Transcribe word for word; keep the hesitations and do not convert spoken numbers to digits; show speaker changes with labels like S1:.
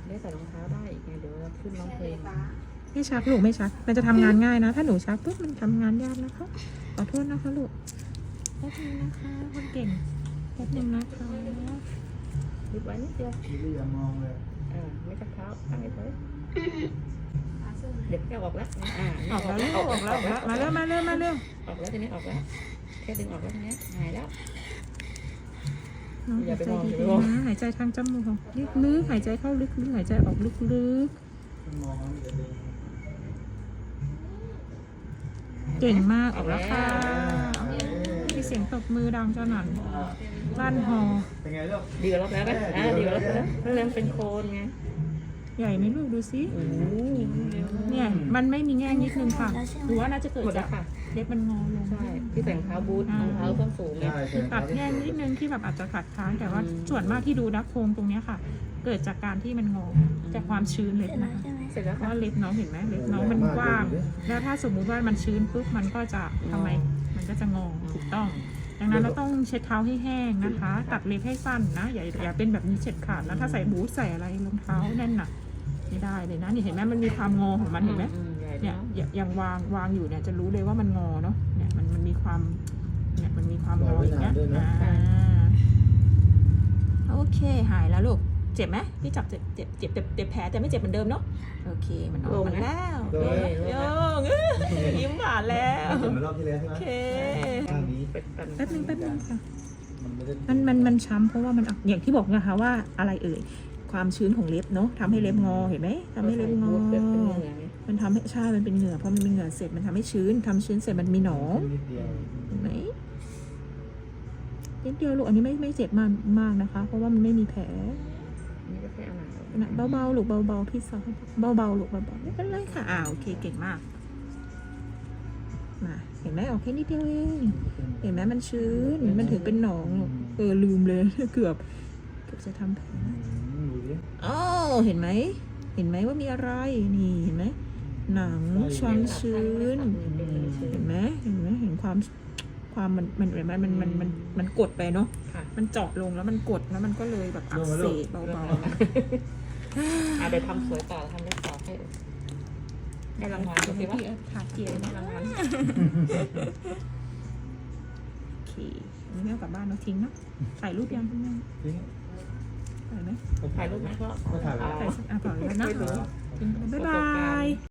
S1: ได้ใส่รองเท้าได้อีกไงเดี๋ยวเราขึ้นร้องเพลง
S2: ไม่ชักลูกไม่ชักมันจะทำงานง่ายนะ ถ้าหนูชักปุ๊บมันทำงานยากนะคะขอโทษนะคะลูกแป๊บนึงนะคะคนเก่งแป๊บนึงนะคะ
S1: หยุดไว้นิดเดียว
S3: พี่อย่ามองเลย
S1: อ่าไม่ชักเท้าตั้งไว้เลยเด็กแก้วออกแล้วอ่า
S2: ออกแล้วลูกออกแล้วออกแล้วมาเร็วมาเร็วมาเร็ว
S1: ออกแล้วทีนี้ออกแล้วแค่ดึงออกแล้วทีนี้หายแล้ว
S2: น้อง
S1: อย่า
S2: หาย
S1: ไป
S2: ใจ
S1: มองอย่าไป
S2: ดี
S1: มอง
S2: ๆนะหายใจทางจมูกลึกๆหายใจเข้าลึกๆหายใจออกลึก
S3: มองแล้วมันจะดึง
S2: ๆเก่งมากออกแล้วค่ะมีเสียงตบมือดังสนั่นลั่นฮอ
S3: เป็นไงลูก
S1: ดีกว่าแล้วนะอ่าดีกว่าแล้วนะเริ่มเป็นโคนไง
S2: ใหญ่ไหมลูกดูสิ
S1: โอ้โห
S2: เนี่ยมันไม่มีแง่นิดนึงค่ะหรือว่าน่าจะเกิด
S1: หมดแล้
S2: จาว ก
S1: ค่ะ
S2: เล็บมันงอลง
S1: ใช่ที่แต่งเท้าบูทรองเท้าส้นสูงเนี่ย
S3: ใช่ใช่
S2: ตัดแง่นิดนึงที่แบบอาจจะขัดค้านแต่ว่า
S1: อืม
S2: ส่วนมากที่ดูนะโครงตรงเนี้ยค่ะ เกิดจากการที่มันงอจากความชื้นเล็บนะคะ
S1: เสร็จแล้ว
S2: เพ
S1: ค่ะ
S2: ราะเล็บน้องเห็นไหมเล็บน้องมันกว้าง แล้วถ้าสมมุติว่ามันชื้นปุ๊บมันก็จะทำไมมันก็จะงอถูกต้อง ดังนั้นเราต้องเช็ดเท้าให้แห้งนะคะ ตัดเล็บให้สั้นนะอย่าอย่าเป็นแบบนี้เช็ดขาดแล้วถ้าใส่บูทใส่อะไรรองเท้าแน่นหนักไม่ได้เลยนะนี่เห็นไหมมันมีความงอของมันเห็นไหม
S1: อืใหญ่
S2: เนี่ย
S1: เนาะ
S2: อย่าอย่างวางวางอยู่เนี่ยจะรู้เลยว่ามันงอเนาะเนี่ยมันมันมีความเนี่ยมันมีความงออย่างเงี้ยอ่าโอเคหายแล้วลูกเจ็บไหมพี่จับเจ็บเจ็บเจ็บเจ็บเจ็บแผลแต่ไม่เจ็บเหมือนเดิมเนาะโอเคมันออกมาแล้วโยงยิ้มหวานแล้ว
S3: เหมือนรอบที่แล้วใช่ไหม
S2: โอเค
S3: ข้างนี้
S1: เป็นตัน
S2: แป๊บนึงแป๊บนึงค่ะ
S3: มันไม่ได้
S2: มันมันมันช้ำเพราะว่ามันอย่างที่บอกนะคะว่าอะไรเอ่ยความชื้นของเล็บเนาะทำให้เล็บงอเห็นไหมทำให้เล็บงอ
S1: เป็นเหงื่อไง
S2: มันทำให้ใช่มันเป็นเหงื่อเพราะมันเป็นเหงื่อเสร็จมันทำให้ชื้นทำชื้นเสร็จมันมีหนอง
S3: นิดเดียว
S2: เห็นไหมนิดเดียวลูกอันนี้ไม่ไม่เจ็บมากมากนะคะ เพราะว่ามันไม่มีแผล
S1: นี่ก็แค่เอาหนัง
S2: นะเบาๆลูกเบาๆพี่สาวเบาๆลูกเบาๆไม่เป็นไรค่ะอ่าโอเคเก่งมากมาเห็นไหมออกแค่นิดเดียวเองเห็นไหมมันชื้นมันถึงเป็นหนองลูกเออลืมเลย เกือบเกือบจะทำแผล
S3: อืมดูดิ
S2: อ๋อเห็นไหมเห็นไหมว่ามีอะไรนี่เห็นไหมหนังความชื้น เห็นไหมเห็นไหมเห็นความความมันมันมันมันมันมันมันกดไปเนาะ
S1: ค่ะ
S2: มันเจาะลงแล้วมันกดแล้วมันก็เลยแบบอักเสบเบา
S1: อ่ะเดี๋ยวทำสวยต่อทำเล็บต่อให้ให้
S2: ๆ
S1: รางวัล
S2: เดี๋
S1: โอ
S2: ยว
S1: เค
S2: ให้
S1: ปะ
S2: พี่ขาเจียน
S1: ให้รางวัล
S2: โอเคอันนี้ไม่เอากลับบ้านเราทิ้งเนาะถ่ายรูปยังคุณแม่
S3: จริง
S2: ถ่ายไหม
S1: ถ่ายรูปไหมก็
S3: ก็ถ่ายไว้
S2: ถ่ายสักอ่ะต่อแล้วนะ
S1: ไม่รู้
S2: ทิ้งไปบ๊ายบาย